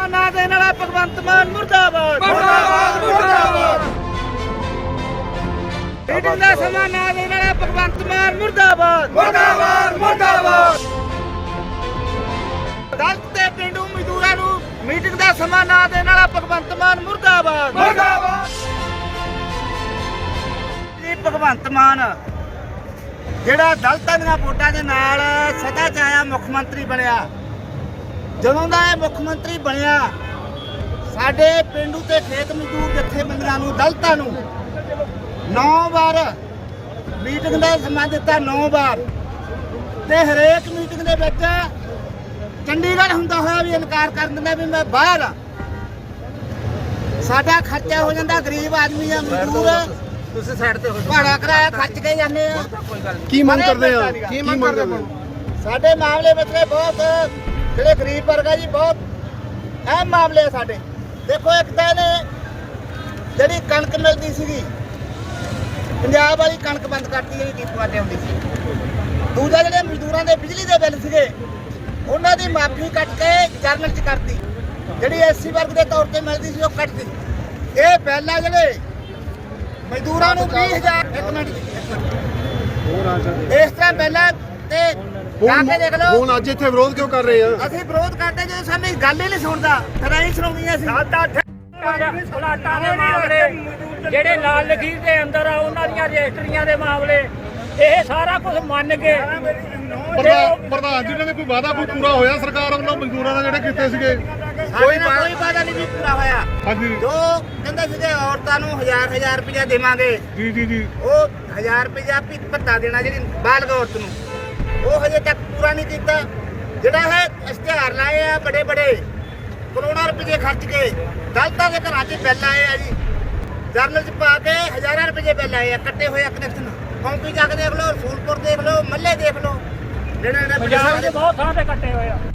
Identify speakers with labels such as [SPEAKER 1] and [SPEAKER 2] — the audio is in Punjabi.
[SPEAKER 1] समाना देने वाला भगवंत मान मुर्दाबाद
[SPEAKER 2] मुर्दाबाद मुर्दाबाद
[SPEAKER 1] मीटिंग का समाना देने वाला भगवंत मान मुर्दाबाद
[SPEAKER 2] मुर्दाबाद मुर्दाबाद
[SPEAKER 1] दलित ते पिंडू मजदूरां नूं मीटिंग का समाना देने वाला भगवंत मान मुर्दाबाद
[SPEAKER 2] मुर्दाबाद
[SPEAKER 1] जी भगवंत मान ਜਿਹੜਾ ਦਲਤਾਂ ਦੀਆਂ ਵੋਟਾਂ ਦੇ ਨਾਲ ਸਦਾ ਚ ਆਇਆ ਮੁੱਖ ਮੰਤਰੀ ਬਣਿਆ ਜਦੋਂ ਦਾ ਇਹ ਮੁੱਖ ਮੰਤਰੀ ਬਣਿਆ ਸਾਡੇ ਪਿੰਡੂ ਤੇ ਖੇਤ ਮਜ਼ਦੂਰ ਜਥੇਬੰਦੀਆਂ ਨੂੰ ਦਲਤਾਂ ਨੂੰ 9 ਵਾਰ ਮੀਟਿੰਗ ਦਾ ਸਮਾਂ ਦਿੱਤਾ 9 ਵਾਰ ਤੇ ਹਰੇਕ ਮੀਟਿੰਗ ਦੇ ਵਿੱਚ ਚੰਡੀਗੜ੍ਹ ਹੁੰਦਾ ਹੋਇਆ ਵੀ ਇਨਕਾਰ ਕਰ ਦਿੰਦਾ ਵੀ ਮੈਂ ਬਾਹਰ ਆ ਸਾਡਾ ਖਰਚਾ ਹੋ ਜਾਂਦਾ ਗਰੀਬ ਆਦਮੀ ਆ ਮਜ਼ਦੂਰ ਤੁਸੀਂ ਸਾਈਡ ਤੇ ਹੋ ਭਾੜਾ ਕਿਰਾਇਆ ਖਰਚ ਕੇ ਜਾਂਦੇ ਆ
[SPEAKER 3] ਕੀ ਮੰਗ ਕਰਦੇ ਆ ਕੀ ਮੰਗ ਕਰਦੇ ਆ
[SPEAKER 1] ਸਾਡੇ ਮਾਮਲੇ ਵਿੱਚ ਬਹੁਤ ਜਿਹੜੇ ਗਰੀਬ ਵਰਗ ਆ ਜੀ ਬਹੁਤ ਅਹਿਮ ਮਾਮਲੇ ਆ ਸਾਡੇ ਦੇਖੋ ਇੱਕ ਤਾਂ ਨੇ ਜਿਹੜੀ ਕਣਕ ਮਿਲਦੀ ਸੀਗੀ ਪੰਜਾਬ ਵਾਲੀ ਕਣਕ ਬੰਦ ਕਰਤੀ ਜਿਹੜੀ ਡੀਪੂਆਂ ਤੇ ਆਉਂਦੀ ਸੀ ਦੂਜਾ ਜਿਹੜੇ ਮਜ਼ਦੂਰਾਂ ਦੇ ਬਿਜਲੀ ਦੇ ਬਿੱਲ ਸੀਗੇ ਉਹਨਾਂ ਦੀ ਮਾਫੀ ਕੱਟ ਕੇ ਜਰਨਲ ਚ ਕਰਤੀ ਜਿਹੜੀ ਐਸਸੀ ਵਰਗ ਦੇ ਤੌਰ ਤੇ ਮਿਲਦੀ ਸੀ ਉਹ ਕੱਟਤੀ ਇਹ ਪਹਿਲਾਂ ਜਿਹੜੇ ਮਜ਼ਦੂਰਾਂ ਨੂੰ 20000 ਇੱਕ ਮਿੰਟ ਇਸ ਤਰ੍ਹਾਂ ਪਹਿਲਾਂ ਤੇ ਜਾ ਕੇ ਦੇਖ ਲਓ
[SPEAKER 3] ਹੁਣ ਅੱਜ ਇੱਥੇ ਵਿਰੋਧ ਕਿਉਂ ਕਰ ਰਹੇ ਆ
[SPEAKER 1] ਅਸੀਂ ਵਿਰੋਧ ਕਰਦੇ ਜਦੋਂ ਸਾਨੂੰ ਗੱਲ ਹੀ ਨਹੀਂ ਸੁਣਦਾ ਫਿਰ ਅਸੀਂ ਸੁਣਾਉਂਦੀਆਂ ਸੀ
[SPEAKER 4] ਪਲਾਟਾਂ ਦੇ ਮਾਮਲੇ ਜਿਹੜੇ ਲਾਲ ਲਖੀਰ ਦੇ ਅੰਦਰ ਆ ਉਹਨਾਂ ਦੀਆਂ ਰਜਿਸਟਰੀਆਂ ਦੇ ਮਾਮਲੇ ਇਹ ਸਾਰਾ ਕੁਝ ਮੰਨ ਕੇ
[SPEAKER 3] ਪ੍ਰਧਾਨ ਜੀ ਨੇ ਕੋਈ ਵਾਅਦਾ ਕੋਈ ਪੂਰਾ ਹੋਇਆ ਸਰਕਾਰ ਵੱਲੋਂ ਮਜ਼ਦੂਰਾਂ ਦਾ ਜਿਹੜੇ ਕੀਤੇ ਸੀਗੇ
[SPEAKER 1] ਕੋਈ ਵਾਅਦਾ ਨਹੀਂ ਵੀ ਪੂਰਾ ਹੋਇਆ
[SPEAKER 3] ਹਾਂਜੀ
[SPEAKER 1] ਜੋ ਕਹਿੰਦੇ ਸੀਗੇ ਔਰਤਾਂ ਨੂੰ 1000 ਰੁਪਇਆ ਦੇਵਾਂਗੇ
[SPEAKER 3] ਜੀ ਜੀ ਜੀ
[SPEAKER 1] ਉਹ 1000 ਰੁਪਇਆ ਭੱਤਾ ਦੇਣਾ ਜਿਹੜੀ ਬਾਲਗ ਔਰਤ ਨੂੰ ਉਹ ਹਜੇ ਤੱਕ ਪੂਰਾ ਨਹੀਂ ਕੀਤਾ ਜਿਹੜਾ ਹੈ ਇਸ਼ਤਿਹਾਰ ਲਾਏ ਆ ਬੜੇ ਬੜੇ ਕਰੋੜਾਂ ਰੁਪਏ ਖਰਚ ਕੇ ਦਲਤਾਂ ਦੇ ਘਰਾਂ 'ਚ ਬਿੱਲ ਆਏ ਆ ਜੀ ਜਰਨਲ 'ਚ ਪਾ ਕੇ ਹਜ਼ਾਰਾਂ ਰੁਪਏ ਬਿੱਲ ਆਏ ਆ ਕੱਟੇ ਹੋਏ ਕਨੈਕਸ਼ਨ ਕੌਂਪੀ ਜਾ ਕੇ ਦੇਖ ਲਓ ਰਸੂਲਪੁਰ ਦੇਖ ਲਓ ਮੱਲੇ ਦੇਖ ਲਓ ਜਿਹੜੇ
[SPEAKER 4] ਪੰਜਾਬ ਦੇ ਬਹੁਤ ਥਾਂ ਤੇ ਕੱਟੇ ਹੋਏ ਆ